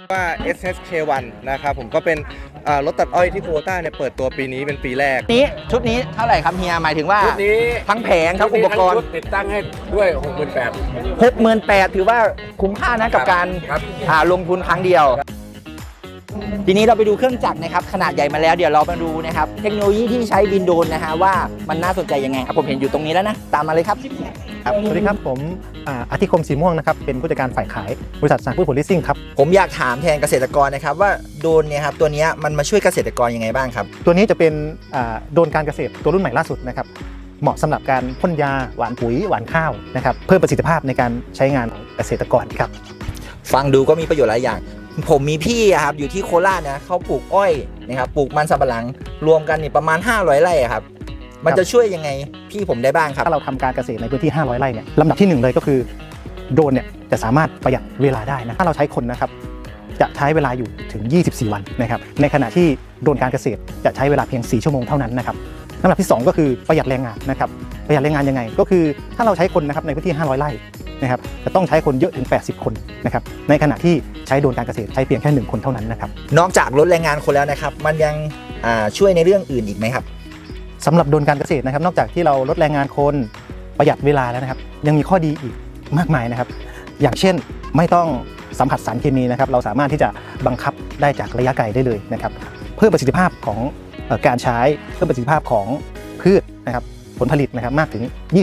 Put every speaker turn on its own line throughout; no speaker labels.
ว่า SHK1 นะครับผมก็เป็นรถตัดอ้อยที่โควต้าเนี่ยเปิดตัวปีนี้เป็นปีแรก
ชุดนี้เท่าไหร่ครับเฮียหมายถึงว่า
ชุดนี้
ทั้งแผงทั้งอุปกรณ์
ติดตั้งให้ด้วย
68,000ถือว่าคุ้มค่านะกับการลงทุนครั้งเดียวทีนี้เราไปดูเครื่องจักรนะครับขนาดใหญ่มาแล้วเดี๋ยวเรามาดูนะครับเทคโนโลยีที่ใช้บินโดรนนะฮะว่ามันน่าสนใจยังไงครับผมเห็นอยู่ตรงนี้แล้วนะตามมาเลยครับ
สวัสดีครับผมอาทิคมสีม่วงนะครับเป็นผู้จัดการฝ่ายขายบริษัทสารพืชผลลิสซิ่งครับ
ผมอยากถามแทนเกษตรกรนะครับว่าโดรนเนี่ยครับตัวนี้มันมาช่วยเกษตรกรยังไงบ้างครับ
ตัวนี้จะเป็นโดรนการเกษตรตัวรุ่นใหม่ล่าสุดนะครับเหมาะสำหรับการพ่นยาหว่านปุ๋ยหว่านข้าวนะครับเพิ่มประสิทธิภาพในการใช้งานเกษตรกรครับ
ฟังดูก็มีประโยชน์หลายอย่างผมมีพี่ครับอยู่ที่โคราชนะเขาปลูกอ้อยนะครับปลูกมันสำปะหลังรวมกันนี่ประมาณ500ไร่ครับมันจะช่วยยังไงพี่ผมได้บ้างครับ
ถ้าเราทำการเกษตรในพื้นที่500ไร่เนี่ยลำดับที่1เลยก็คือโดรนเนี่ยจะสามารถประหยัดเวลาได้นะถ้าเราใช้คนนะครับจะใช้เวลาอยู่ถึง24วันนะครับในขณะที่โดรนการเกษตรจะใช้เวลาเพียง4ชั่วโมงเท่านั้นนะครับลำดับที่2ก็คือประหยัดแรงงานนะครับประหยัดแรงงานยังไงก็คือถ้าเราใช้คนนะครับในพื้นที่500ไร่นะครับจะต้องใช้คนเยอะถึง80คนนะครับในขณะที่ใช้โดรนการเกษตรใช้เพียงแค่1คนเท่านั้นนะครับ
นอกจากลดแรงงานคนแล้วนะครับมันยังช่วยในเรื่องอื่นอีกไหมครับ
สำหรับโดรนการเกษตรนะครับนอกจากที่เราลดแรงงานคนประหยัดเวลาแล้วนะครับยังมีข้อดีอีกมากมายนะครับอย่างเช่นไม่ต้องสัมผัสสารเคมีนะครับเราสามารถที่จะบังคับได้จากระยะไกลได้เลยนะครับเพิ่มประสิทธิภาพของการใช้เพิ่มประสิทธิภาพของพืชนะครับผลผลิตนะครับมากถึง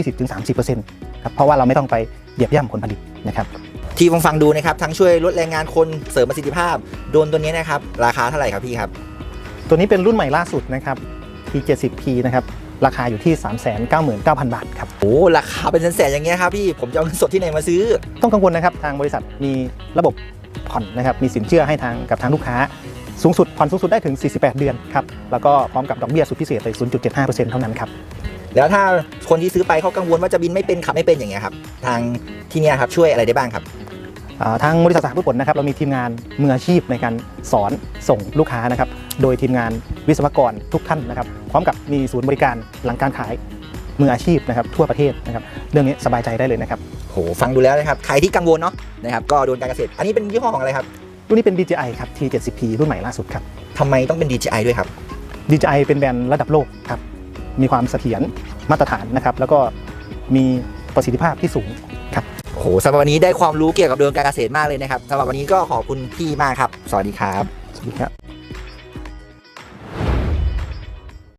20-30% ครับเพราะว่าเราไม่ต้องไปเหยียบย่ำผลผลิตนะครับ
ที่ฟังดูนะครับทั้งช่วยลดแรงงานคนเสริมประสิทธิภาพโดรนตัวนี้นะครับราคาเท่าไหร่ครับพี่ครับ
ตัวนี้เป็นรุ่นใหม่ล่าสุดนะครับ T70P นะครับราคาอยู่ที่ 399,000 บาทครับ
โอ้ราคาเป็นแสนๆอย่างเงี้ยครับพี่ผมจะเอาเงินสดที่ไหนมาซื้อ
ต้องกังวลนะครับทางบริษัทมีระบบผ่อนนะครับมีสินเชื่อให้กับทางลูกค้าสูงสุดผ่อนสูงสุดได้ถึง48เดือนครับแล้วก็พร้อมกับดอกเบี้ยสุดพิเศษเลย 0.75% เท่านั้นครับ
แล้วถ้าคนที่ซื้อไปเขากังวลว่าจะบินไม่เป็นขับไม่เป็นอย่างเงี้ยครับทางที่นี่ครับช่วยอะไรได้บ้างครับ
ทางบริษัทสหพืชผลนะครับเรามีทีมงานมืออาชีพในการสอนส่งลูกค้านะครับโดยทีมงานวิศวกรทุกท่านนะครับพร้อมกับมีศูนย์บริการหลังการขายมืออาชีพนะครับทั่วประเทศนะครับเรื่องนี้สบายใจได้เลยนะครับ
โหฟังดูแล้วนะครับใครที่กังวลเนาะนะครับก็โดนการเกษตรอันนี้เป็นยี่ห้อของอะไรครับ
รุ่นนี้เป็น DJI ครับ T70P รุ่นใหม่ล่าสุดครับ
ทำไมต้องเป็น DJI ด้วยครับ
DJI เป็นแบรนด์ระดับโลกครับมีความเสถียรมาตรฐานนะครับแล้วก็มีประสิทธิภาพที่สูงครับ
โหสำหรับวันนี้ได้ความรู้เกี่ยวกับเรื่องการเกษตรมากเลยนะครับสำหรับวันนี้ก็ขอบคุณพี่มากครับสวัสดีครับ
สวัสดีครับ